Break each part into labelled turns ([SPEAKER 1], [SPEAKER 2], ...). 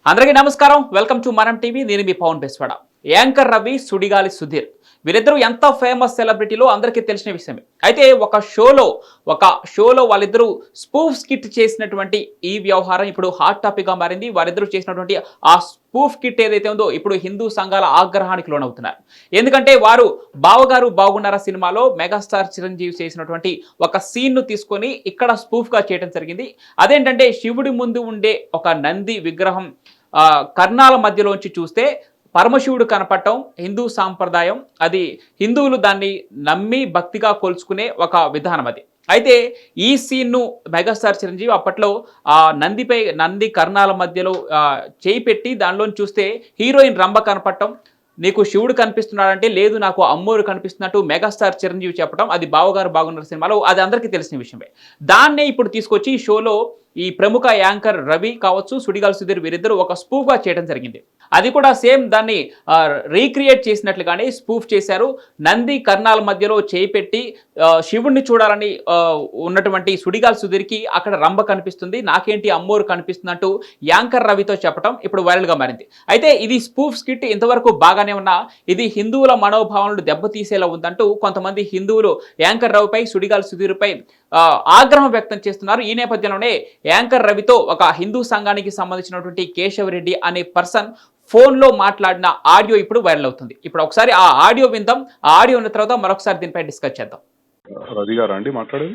[SPEAKER 1] అందరికీ నమస్కారం. Welcome to Manam TV. నేను మీ పవన్ బెస్వాడ. యాంకర్ రవి, సుడిగాలి సుధీర్ వీరిద్దరూ ఎంత ఫేమస్ సెలబ్రిటీలో అందరికీ తెలిసిన విషయమే. అయితే ఒక షోలో వాళ్ళిద్దరూ స్పూఫ్ స్కిట్ చేసినటువంటి ఈ వ్యవహారం ఇప్పుడు హాట్ టాపిక్గా మారింది. వారిద్దరూ చేసినటువంటి ఆ స్పూఫ్ కిట్ ఏదైతే ఉందో ఇప్పుడు హిందూ సంఘాల ఆగ్రహానికి లోనవుతున్నారు. ఎందుకంటే వారు బావగారు బాగున్నారా సినిమాలో మెగాస్టార్ చిరంజీవి చేసినటువంటి ఒక సీన్ను తీసుకొని ఇక్కడ స్పూఫ్గా చేయడం జరిగింది. అదేంటంటే శివుడి ముందు ఉండే ఒక నంది విగ్రహం కర్ణాల మధ్యలోంచి చూస్తే పరమశివుడు కనపడటం హిందూ సాంప్రదాయం. అది హిందువులు దాన్ని నమ్మి భక్తిగా కొలుచుకునే ఒక విధానం అది. అయితే ఈ సీన్ను మెగాస్టార్ చిరంజీవి అప్పట్లో నంది కర్ణాల మధ్యలో చేయి పెట్టి దానిలోని చూస్తే హీరోయిన్ రంభ కనపడటం, నీకు శివుడు కనిపిస్తున్నాడంటే లేదు నాకు అమ్మోరు కనిపిస్తున్నట్టు మెగాస్టార్ చిరంజీవి చెప్పడం, అది బావగారు బాగున్నారు సినిమాలో అది అందరికీ తెలిసిన విషయమే. దాన్నే ఇప్పుడు తీసుకొచ్చి ఈ షోలో ఈ ప్రముఖ యాంకర్ రవి కావచ్చు, సుడిగాలి సుధీర్ వీరిద్దరూ ఒక స్పూఫ్గా చేయడం జరిగింది. అది కూడా సేమ్ దాన్ని రీక్రియేట్ చేసినట్లుగానే స్పూఫ్ చేశారు. నంది కర్ణాల మధ్యలో చేయి పెట్టి శివుణ్ణి చూడాలని ఉన్నటువంటి సుడిగాలి సుధీర్కి అక్కడ రంభ కనిపిస్తుంది, నాకేంటి అమ్మోరు కనిపిస్తున్నట్టు యాంకర్ రవితో చెప్పడం ఇప్పుడు వైరల్గా మారింది. అయితే ఇది స్పూఫ్ స్కిట్ ఇంతవరకు బాగానే ఉన్నా ఇది హిందువుల మనోభావాలను దెబ్బతీసేలా ఉందంటూ కొంతమంది హిందువులు యాంకర్ రవిపై, సుడిగాలి సుధీర్పై ఆగ్రహం వ్యక్తం చేస్తున్నారు. ఈ నేపథ్యంలోనే యాంకర్ రవితో ఒక హిందూ సంఘానికి సంబంధించినటువంటి కేశవరెడ్డి అనే పర్సన్ ఫోన్లో మాట్లాడిన ఆడియో ఇప్పుడు వైరల్ అవుతుంది. ఇప్పుడు ఒకసారి ఆ ఆడియో విందాం. ఆ ఆడియో ఉన్న తర్వాత మరొకసారి దీనిపై డిస్కస్ చేద్దాం.
[SPEAKER 2] రవి గారా అండి మాట్లాడేది?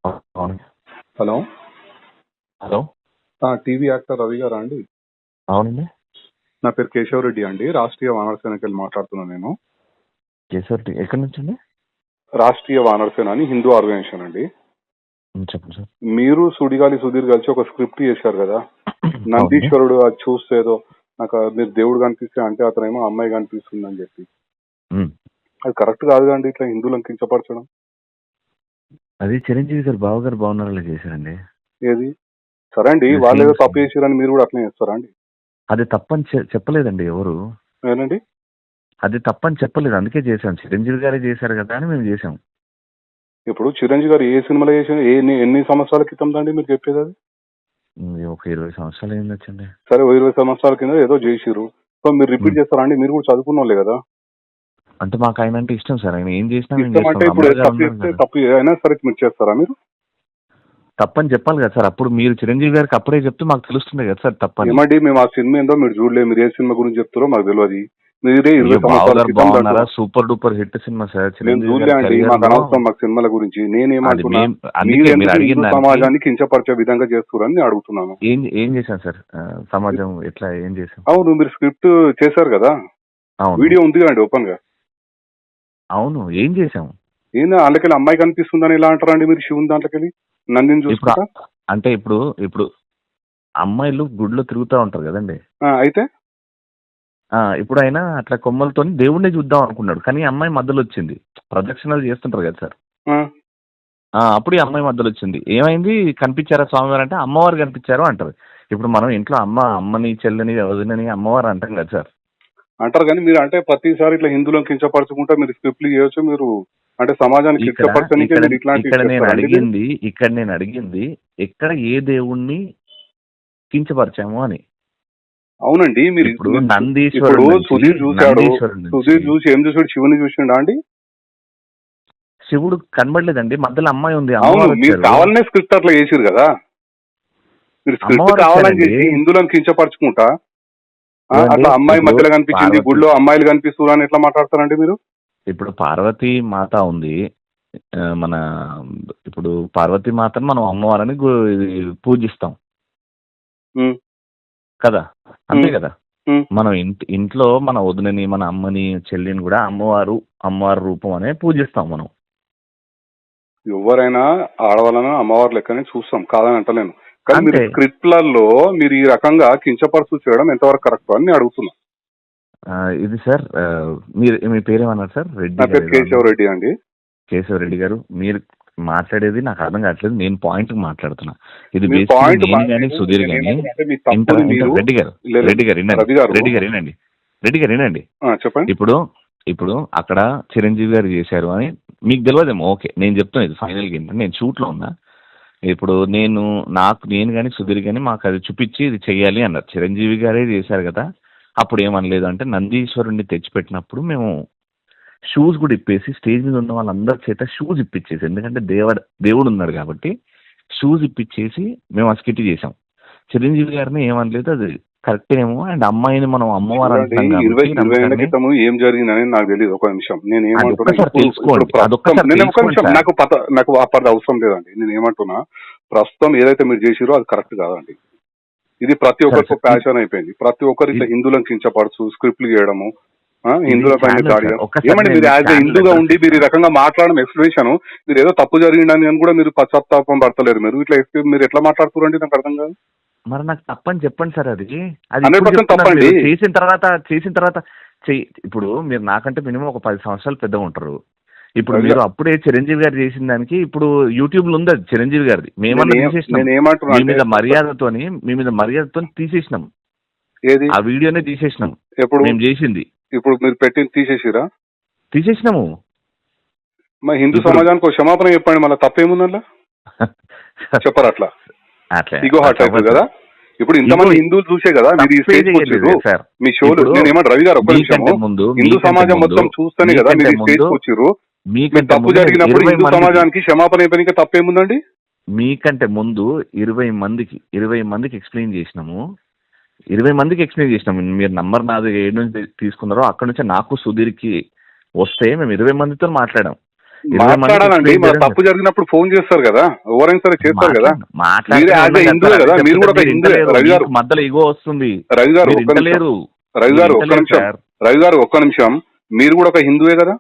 [SPEAKER 2] Hello
[SPEAKER 3] hello,
[SPEAKER 2] TV actor Ravi గారా అండి?
[SPEAKER 3] అవునండి.
[SPEAKER 2] నా పేరు కేశవరెడ్డి అండి, రాష్ట్రీయ వానర సేనకి వెళ్ళి మాట్లాడుతున్నాను నేను.
[SPEAKER 3] కేశవరెడ్డి ఎక్కడి నుంచి అండి?
[SPEAKER 2] రాష్ట్రీయ వానర సేన అని హిందూ ఆర్గనైజేషన్ అండి.
[SPEAKER 3] చెప్పండి సార్.
[SPEAKER 2] మీరు సుడిగాలి సుధీర్ కలిసి ఒక స్క్రిప్ట్ చేశారు కదా, నందీశ్వరుడు అది చూస్తే ఏదో నాకు మీరు దేవుడు కనిపిస్తే అంటే అతనేమో అమ్మాయి కనిపిస్తుంది అని చెప్పి, అది కరెక్ట్ కాదు అండి ఇట్లా హిందువులను కించపరచడం.
[SPEAKER 3] అది చిరంజీవి గారు బావగారు బాగున్నారా చేశారండి.
[SPEAKER 2] ఏది సరే అండి, వాళ్ళు ఏదో తప్పు చేశారని మీరు కూడా అట్లనే చేస్తారా అండి?
[SPEAKER 3] అది తప్పని చెప్పలేదండి ఎవరు.
[SPEAKER 2] ఏనండి
[SPEAKER 3] అది తప్పని చెప్పలేదు, అందుకే చేశాం. చిరంజీవి గారే చేశారు కదా అని మేము చేసాం.
[SPEAKER 2] ఇప్పుడు చిరంజీవి గారు ఏ సినిమాలో చేసిన ఎన్ని సంవత్సరాల క్రితం అండి మీరు చెప్పేది? అది
[SPEAKER 3] ఒక 20 సంవత్సరాలు ఏం వచ్చండి.
[SPEAKER 2] సరే 20 సంవత్సరాల కింద ఏదో చేసిరు, సో మీరు రిపీట్ చేస్తారా అండి? మీరు కూడా చదువుకున్న వాళ్ళే కదా.
[SPEAKER 3] అంటే మాకు ఆయన అంటే ఇష్టం సార్, ఆయన ఏం చేసినా
[SPEAKER 2] అంటే ఇప్పుడు తప్పు అయినా సరే మీరు చేస్తారా? మీరు
[SPEAKER 3] తప్పని చెప్పాలి కదా సార్. అప్పుడు మీరు చిరంజీవి గారికి అప్పుడే చెప్తే మాకు తెలుస్తుంది కదా సార్ తప్పని.
[SPEAKER 2] ఏమండి మేము ఆ సినిమా ఏందో మీరు చూడలేదు, మీరు ఏ సినిమా గురించి చెప్తారో మాకు తెలియదు. మీరే 20 సంవత్సరాల
[SPEAKER 3] super duper hit cinema sir.
[SPEAKER 2] చూడలే అండి, మాకు అనవసరం మాకు సినిమాల గురించి. నేనేమంటున్నా, సమాజాన్ని కించపరిచే విధంగా చేస్తున్నారని అడుగుతున్నాను.
[SPEAKER 3] ఏం చేశాను సార్ సమాజం ఎట్లా ఏం చేశాను?
[SPEAKER 2] అవును, మీరు స్క్రిప్ట్ చేశారు కదా, వీడియో ఉంది కదండి ఓపెన్ గా.
[SPEAKER 3] అవును, ఏం చేసాము?
[SPEAKER 2] ఏందా అందుకెళ్ళి అమ్మాయి కనిపిస్తుందని ఎలా అంటారండి మీరు? శివుని దాంట్లోకెళ్ళి నందిని చూసుకుంటా
[SPEAKER 3] అంటే ఇప్పుడు అమ్మాయిలు గుడిలో తిరుగుతూ ఉంటారు కదండి.
[SPEAKER 2] అయితే
[SPEAKER 3] ఇప్పుడు ఆయన అట్లా కొమ్మలతో దేవుణ్ణి చూద్దాం అనుకున్నాడు, కానీ అమ్మాయి మధ్యలో వచ్చింది. ప్రదక్షిణాలు చేస్తుంటారు కదా సార్, అప్పుడు ఈ అమ్మాయి మధ్యలో వచ్చింది. ఏమైంది, కనిపించారా స్వామివారు అంటే అమ్మవారు కనిపించారు అంటారు. ఇప్పుడు మనం ఇంట్లో అమ్మని చెల్లని వదినని అమ్మవారు అంటాం కదా సార్.
[SPEAKER 2] అంటారు, కానీ మీరు అంటే ప్రతిసారి ఇట్లా హిందువులను కించపరచుకుంటా మీరు స్క్రిప్ట్లు చేయొచ్చు. మీరు అంటే సమాజానికి
[SPEAKER 3] ఇక్కడ నేను అడిగింది ఎక్కడ ఏ దేవుణ్ణి కించపరిచాము అని.
[SPEAKER 2] అవునండి, మీరు
[SPEAKER 3] ఇప్పుడు నందీశ్వరుడు
[SPEAKER 2] సుధీర్ చూసి ఏం చూసాడు? శివుని చూసిండా అండి?
[SPEAKER 3] శివుడు కనబడలేదండి, మధ్యలో అమ్మాయి ఉంది.
[SPEAKER 2] అవును, మీరు కావాలనే స్క్రిప్ట్ అట్లా చేసిరు కదా. మీరు స్క్రిప్ట్ కావాలని చేసి హిందువులను కించపరచుకుంటా అట్లా అమ్మాయి మధ్యలో కనిపించింది, గుడిలో అమ్మాయిలు కనిపిస్తున్నారు అని ఎట్లా మాట్లాడతారండి మీరు?
[SPEAKER 3] ఇప్పుడు పార్వతీ మాత ఉంది మన, ఇప్పుడు పార్వతీ మాతను మనం అమ్మవారని పూజిస్తాం కదా, అంతే కదా. మనం ఇంట్లో మన వదినని మన అమ్మని చెల్లిని కూడా అమ్మవారు రూపం అనే పూజిస్తాం మనం.
[SPEAKER 2] ఎవరైనా ఆడవాళ్ళని అమ్మవారు లెక్కనే చూస్తాం, కాదని అంటలేను. కానీ మీరు స్క్రిప్ట్లలో మీరు ఈ రకంగా కించపరుచు చేయడం ఎంతవరకు కరెక్ట్ అని అడుగుతున్నా.
[SPEAKER 3] ఇది సార్ మీ పేరేమన్నారు సార్?
[SPEAKER 2] కేశవరెడ్డి అండి.
[SPEAKER 3] కేశవరెడ్డి గారు, మీరు మాట్లాడేది నాకు అర్థం కావట్లేదు. నేను పాయింట్ మాట్లాడుతున్నా. ఇది సుధీర్ గాని రెడ్డి గారు వినండి.
[SPEAKER 2] చెప్పండి.
[SPEAKER 3] ఇప్పుడు అక్కడ చిరంజీవి గారు చేశారు అని మీకు తెలియదేమో, ఓకే నేను చెప్తాను. ఇది ఫైనల్గా ఏంటంటే, నేను షూట్లో ఉన్నా, ఇప్పుడు నేను కానీ సుధీర్ కానీ మాకు అది చూపించి ఇది చెయ్యాలి అన్నారు. చిరంజీవి గారే చేశారు కదా, అప్పుడు ఏమనలేదు. అంటే నందీశ్వరుణ్ణి తెచ్చిపెట్టినప్పుడు మేము షూస్ కూడా ఇప్పేసి స్టేజ్ మీద ఉన్న వాళ్ళందరి చేత షూస్ ఇప్పించేసి, ఎందుకంటే దేవుడు ఉన్నాడు కాబట్టి షూస్ ఇప్పించేసి మేము ఆ స్కిట్ చేసాం. చిరంజీవి గారిని ఏమనలేదు, అది కరెక్ట్ ఏమో. అండ్ అమ్మాయిని మనం అమ్మవారు అంటున్నాం కాబట్టి
[SPEAKER 2] 20 ఏళ్ల క్రితం ఏం జరిగిందని నాకు తెలియదు. ఒక నిమిషం, నేను ఏమంటున్నా నాకు అప్పటి అవసరం లేదండి. నేను ఏమంటున్నా, ప్రస్తుతం ఏదైతే మీరు చేసిరో అది కరెక్ట్ కాదండి. ఇది ప్రతి ఒక్కరికి ప్యాషన్ అయిపోయింది. ప్రతి ఒక్కరు ఇట్లా హిందువులను కించపరచు, స్క్రిప్ట్లు చేయడము, హిందువుల పైన దాడి. ఏమంటే మీరు యాజ్ హిందూగా ఉండి మీరు ఈ రకంగా మాట్లాడడం ఎక్స్ప్లెనేషన్, మీరు ఏదో తప్పు జరిగిందని అని కూడా మీరు పశ్చాత్తాపం పడతలేరు. మీరు ఇట్లా మీరు ఎట్లా మాట్లాడుతున్నారండి, నాకు అర్థం కాదు.
[SPEAKER 3] మరి నాకు తప్పని చెప్పండి సార్. అది
[SPEAKER 2] 100% తప్పండి.
[SPEAKER 3] చేసిన తర్వాత ఇప్పుడు మీరు నాకంటే మినిమం ఒక 10 సంవత్సరాలు పెద్దగా ఉంటారు. ఇప్పుడు మీరు అప్పుడే చిరంజీవి గారు చేసిన దానికి ఇప్పుడు యూట్యూబ్ లో ఉంది అది చిరంజీవి గారిది. మేమన్నా తీసేసినాం, మీ మీద మర్యాదతో తీసేసినాం. ఆ వీడియోనే తీసేసినాం. ఎప్పుడు మేము చేసింది
[SPEAKER 2] ఇప్పుడు మీరు పెట్టింది తీసేసినాము. మా హిందూ సమాజానికి క్షమాపణ చెప్పండి, మళ్ళీ తప్పేముందల్లా చెప్పరు. అట్లా ఇగో హార్ట్ అవుతుంది కదా. ఇప్పుడు ఇంతమంది హిందువులు చూసే కదా మీరు ఈ స్టేజ్ వచ్చారు, మీ షోలు. నేను ఏమంటే రవి గారు ఒక్క నిమిషం, హిందూ సమాజం మొత్తం చూస్తేనే కదా మీరు ఈ స్టేజ్ వచ్చారు. తప్పు జరిగినప్పుడు హిందూ సమాజానికి క్షమాపణ అయిపోయినాక తప్పేముందండి?
[SPEAKER 3] మీకంటే ముందు 20 మందికి ఎక్స్ప్లెయిన్ చేసినాము. 20 మందికి ఎక్స్ప్లెయిన్ చేసినాము. మీరు నంబర్ నాది ఏడు నుంచి తీసుకున్నారో అక్కడ నుంచి నాకు సుధీర్కి వస్తే మేము 20 మందితో మాట్లాడాం.
[SPEAKER 2] మాట్లాడాలండి. తప్పు జరిగినప్పుడు ఫోన్ చేస్తారు కదా, ఎవరైనా సరే చేస్తారు కదా. మీరు కూడా హిందువే. రవి గారు
[SPEAKER 3] మధ్యలో ఇగో వస్తుంది.
[SPEAKER 2] రవి గారు ఒక్క నిమిషం, మీరు కూడా ఒక హిందువే కదా?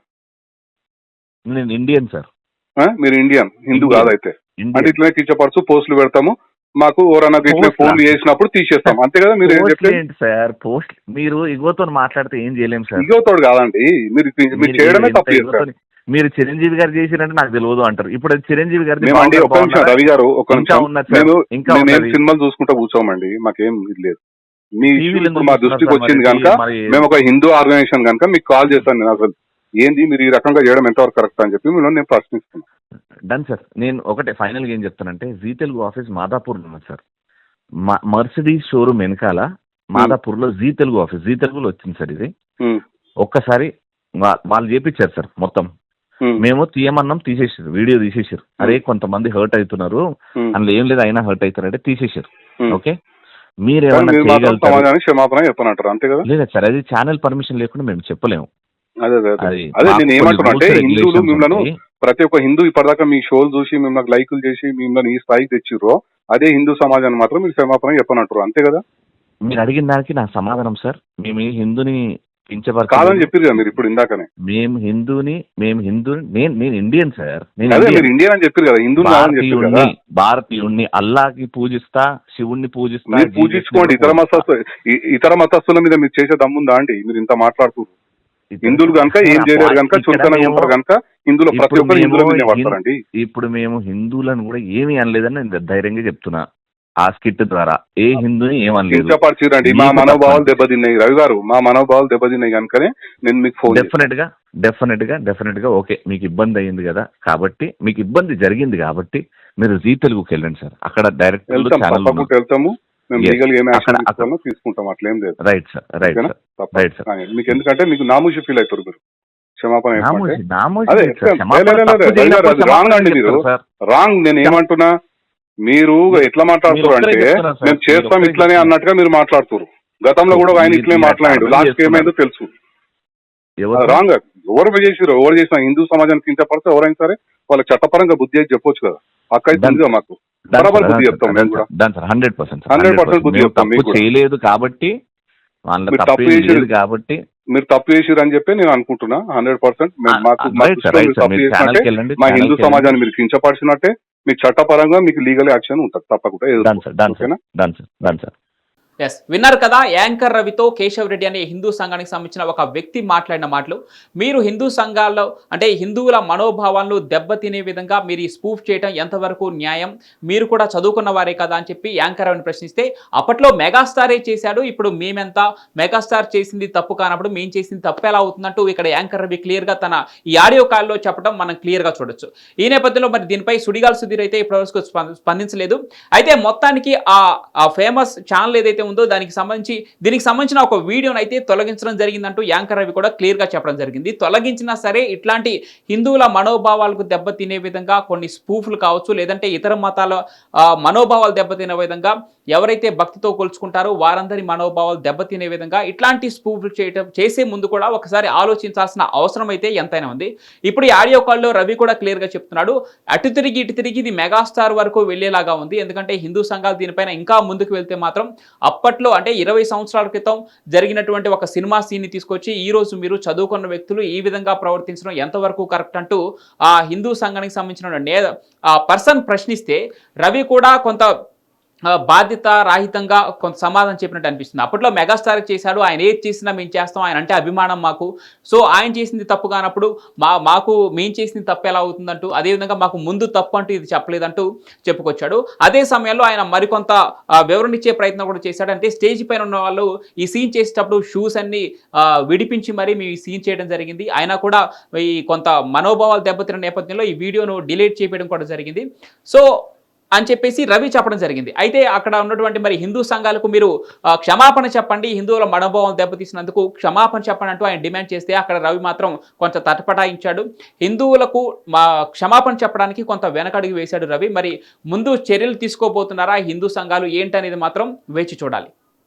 [SPEAKER 3] నేను ఇండియన్ సార్.
[SPEAKER 2] మీరు ఇండియన్, హిందూ కాదైతే. అంటే ఇట్లనే కించపరచు పోస్టులు పెడతాము, మాకు ఎవరన్నా ఇట్లా ఫోన్లు చేసినప్పుడు తీసేస్తాం, అంతే కదా? మీరు
[SPEAKER 3] సార్ పోస్ట్ మీరు ఇగోతో మాట్లాడితే ఏం చేయలేము సార్.
[SPEAKER 2] ఇగోతో కాదండి, మీరు చేయడమే తప్పు చేస్తారు.
[SPEAKER 3] మీరు చిరంజీవి గారు చేసిరంటే నాకు తెలియదు అంటారు. ఇప్పుడు చిరంజీవి గారు
[SPEAKER 2] ఒక్క నిమిషం రవి గారు, ఒక్క నిమిషం. మేము సినిమాలు చూసుకుంటా కూర్చోమండి, మాకేం ఇది లేదు. మీ మా దృష్టికి వచ్చింది కనుక మేము ఒక హిందూ ఆర్గనైజేషన్ కనుక మీకు కాల్ చేశాను. నేను అసలు ఏంది మీరు ఈ రకంగా చేయడం ఎంతవరకు కరెక్ట్ అని చెప్పి నేను ప్రశ్నిస్తున్నాను.
[SPEAKER 3] Done sir. నేను ఒకటే ఫైనల్ గా ఏం చెప్తానంటే, జీ తెలుగు ఆఫీస్ మాదాపూర్ ఉన్నది సార్. మర్సిడీస్ షోరూమ్ వెనకాల మాదాపూర్ లో జీ తెలుగు ఆఫీస్, జీ తెలుగులో వచ్చింది సార్ ఇది. ఒక్కసారి వాళ్ళు చేపించారు సార్ మొత్తం. మేము తీయమన్నాం, తీసేసారు, వీడియో తీసేసారు. అరే కొంతమంది హర్ట్ అవుతున్నారు, అందులో ఏం లేదు అయినా హర్ట్ అవుతారంటే తీసేసారు. ఓకే, మీరేమన్నా
[SPEAKER 2] క్షమాపణ చెప్పనంటారు అంతే కదా?
[SPEAKER 3] లేదా సార్, అది ఛానల్ పర్మిషన్ లేకుండా మేము చెప్పలేము.
[SPEAKER 2] అదే నేను ఏమంటున్నా అంటే, హిందువులు మిమ్మల్ని ప్రతి ఒక్క హిందూ ఇప్పటిదాకా మీ షోలు చూసి మిమ్మల్ని లైకులు చేసి మిమ్మల్ని ఈ స్థాయికి తెచ్చిర్రో, అదే హిందూ సమాజాన్ని మాత్రం మీరు క్షమాపణ చెప్పనంటారు అంతే కదా?
[SPEAKER 3] మీరు అడిగిన దానికి నా సమాధానం సార్, మేము హిందూని
[SPEAKER 2] కాదని చెప్పారు కదా మీరు ఇప్పుడు ఇందాకనే.
[SPEAKER 3] మేము హిందూని నేను ఇండియన్ సార్.
[SPEAKER 2] మీరు ఇండియన్ అని చెప్పారు కదా, హిందూ
[SPEAKER 3] భారతీయుణ్ణి అల్లాకి పూజిస్తా, శివుణ్ణి పూజిస్తా.
[SPEAKER 2] మీరు పూజించుకోండి. ఇతర మతస్థుల మీద మీరు చేసే దమ్ముందా అండి? మీరు ఇంత మాట్లాడుతున్నారు. హిందువులు కనుక ఏం చేయలేరు కనుక, చులకనగా ఉంటారు కనుక హిందువులు ప్రతి ఒక్కరు హిందువుల మీద పడతారండి.
[SPEAKER 3] ఇప్పుడు మేము హిందువులను కూడా ఏమీ అనలేదని నేను ధైర్యంగా చెప్తున్నా. ఆ స్కిట్ ద్వారా ఏ హిందూని ఏమనలేదు.
[SPEAKER 2] మా మనోభావాలు దెబ్బతిన్నాయి రవి గారు, మా మనోభావాలు దెబ్బతిన్నాయి కనుకనే నేను మీకు ఫోన్.
[SPEAKER 3] డెఫినెట్ గా ఓకే, మీకు ఇబ్బంది అయ్యింది కదా, కాబట్టి మీకు ఇబ్బంది జరిగింది కాబట్టి మీరు జీ తెలుగుకి వెళ్ళండి సార్. అక్కడ డైరెక్ట్
[SPEAKER 2] వెళ్తాము, తీసుకుంటాం, అట్లేం లేదు.
[SPEAKER 3] Right sir.
[SPEAKER 2] మీకు ఎందుకంటే మీకు నామూషి ఫీల్ అవుతారు మీరు. క్షమాపణ రాంగ్ అండి, మీరు రాంగ్. నేను ఏమంటున్నా, మీరు ఎట్లా మాట్లాడుతున్నారు అంటే మేము చేస్తాం ఇట్లానే అన్నట్టుగా మీరు మాట్లాడుతున్నారు. గతంలో కూడా ఆయన ఇట్లే మాట్లాడాడు, లాస్ట్ ఏమైందో తెలుసు. రాంగ్. ఎవరు చేసినా హిందూ సమాజానికి కించపడితే ఎవరైనా సరే వాళ్ళకి చట్టపరంగా బుద్ధి అయితే చెప్పొచ్చు కదా. అక్క అయితే మాకు బరాబర్ బుద్ధి చెప్తాం. మేము కూడా 100% బుద్ధి చెప్తాం.
[SPEAKER 3] చేయలేదు కాబట్టి
[SPEAKER 2] మీరు తప్పు చేసిరు అని చెప్పి నేను అనుకుంటున్నా. 100% మా హిందూ సమాజాన్ని మీరు కించపరిచినట్టే, మీకు చట్టపరంగా మీకు లీగల్ యాక్షన్ ఉంటుంది తప్పకుండా.
[SPEAKER 1] ఎస్ విన్నారు కదా, యాంకర్ రవితో కేశవ్ రెడ్డి అనే హిందూ సంఘానికి సంబంధించిన ఒక వ్యక్తి మాట్లాడిన మాటలు. మీరు హిందూ సంఘాల్లో అంటే హిందువుల మనోభావాలను దెబ్బతినే విధంగా మీరు ఈ స్పూఫ్ చేయడం ఎంతవరకు న్యాయం, మీరు కూడా చదువుకున్న వారే కదా అని చెప్పి యాంకర్ రవిని ప్రశ్నిస్తే, అప్పట్లో మెగాస్టారే చేశాడు, ఇప్పుడు మేమెంత, మెగాస్టార్ చేసింది తప్పు కానప్పుడు మేము చేసింది తప్పు ఎలా అవుతుందంటూ ఇక్కడ యాంకర్ రవి క్లియర్గా తన ఈ ఆడియో కాల్లో చెప్పడం మనం క్లియర్గా చూడొచ్చు. ఈ నేపథ్యంలో మరి దీనిపై సుడిగాలి సుధీర్ అయితే ఇప్పటివరకు స్పందించలేదు. అయితే మొత్తానికి ఆ ఫేమస్ ఛానల్ ఏదైతే ఉందో దీనికి సంబంధించిన ఒక వీడియోను అయితే తొలగించడం జరిగిందంటూ యాంకర్ రవి కూడా క్లియర్గా చెప్పడం జరిగింది. తొలగించినా సరే ఇట్లాంటి హిందువుల మనోభావాలకు దెబ్బతినే విధంగా కొన్ని స్పూఫ్లు కావచ్చు, లేదంటే ఇతర మతాల మనోభావాలు దెబ్బతినే విధంగా ఎవరైతే భక్తితో కొలుచుకుంటారో వారందరి మనోభావాలు దెబ్బతినే విధంగా ఇట్లాంటి స్పూఫ్లు చేసే ముందు కూడా ఒకసారి ఆలోచించాల్సిన అవసరం అయితే ఎంతైనా ఉంది. ఇప్పుడు ఈ ఆడియో కాల్లో రవి కూడా క్లియర్గా చెప్తున్నాడు, అటు తిరిగి ఇటు తిరిగి ఇది మెగాస్టార్ వరకు వెళ్ళేలాగా ఉంది. ఎందుకంటే హిందూ సంఘాలు దీనిపైన ఇంకా ముందుకు వెళ్తే మాత్రం అప్పట్లో అంటే 20 సంవత్సరాల క్రితం జరిగినటువంటి ఒక సినిమా సీన్ని తీసుకొచ్చి ఈ రోజు మీరు చదువుకున్న వ్యక్తులు ఈ విధంగా ప్రవర్తించడం ఎంతవరకు కరెక్ట్ అంటూ ఆ హిందూ సంఘానికి సంబంధించిన పర్సన్ ప్రశ్నిస్తే రవి కూడా కొంత బాధ్యత రాహితంగా కొంత సమాధానం చెప్పినట్టు అనిపిస్తుంది. అప్పట్లో మెగాస్టార్ చేశాడు, ఆయన ఏది చేసినా మేము చేస్తాం, ఆయన అంటే అభిమానం మాకు, సో ఆయన చేసింది తప్పు కానప్పుడు మాకు మేము చేసింది తప్పు ఎలా అవుతుందంటూ, అదేవిధంగా మాకు ముందు తప్పు అంటూ ఇది చెప్పలేదంటూ చెప్పుకొచ్చాడు. అదే సమయంలో ఆయన మరికొంత వివరణ ఇచ్చే ప్రయత్నం కూడా చేశాడు. అంటే స్టేజ్ పైన ఉన్న వాళ్ళు ఈ సీన్ చేసేటప్పుడు షూస్ అన్ని విడిపించి మరీ మేము ఈ సీన్ చేయడం జరిగింది. ఆయన కూడా ఈ కొంత మనోభావాలు దెబ్బతిన్న నేపథ్యంలో ఈ వీడియోను డిలీట్ చేయడం కూడా జరిగింది సో అని చెప్పేసి రవి చెప్పడం జరిగింది. అయితే అక్కడ ఉన్నటువంటి మరి హిందూ సంఘాలకు మీరు క్షమాపణ చెప్పండి, హిందువుల మనోభావం దెబ్బతీసినందుకు క్షమాపణ చెప్పండి అంటూ ఆయన డిమాండ్ చేస్తే అక్కడ రవి మాత్రం కొంత తటపటాయించాడు. హిందువులకు క్షమాపణ చెప్పడానికి కొంత వెనకడుగు వేశాడు రవి. మరి ముందు చర్యలు తీసుకోబోతున్నారా హిందూ సంఘాలు ఏంటనేది మాత్రం వేచి చూడాలి.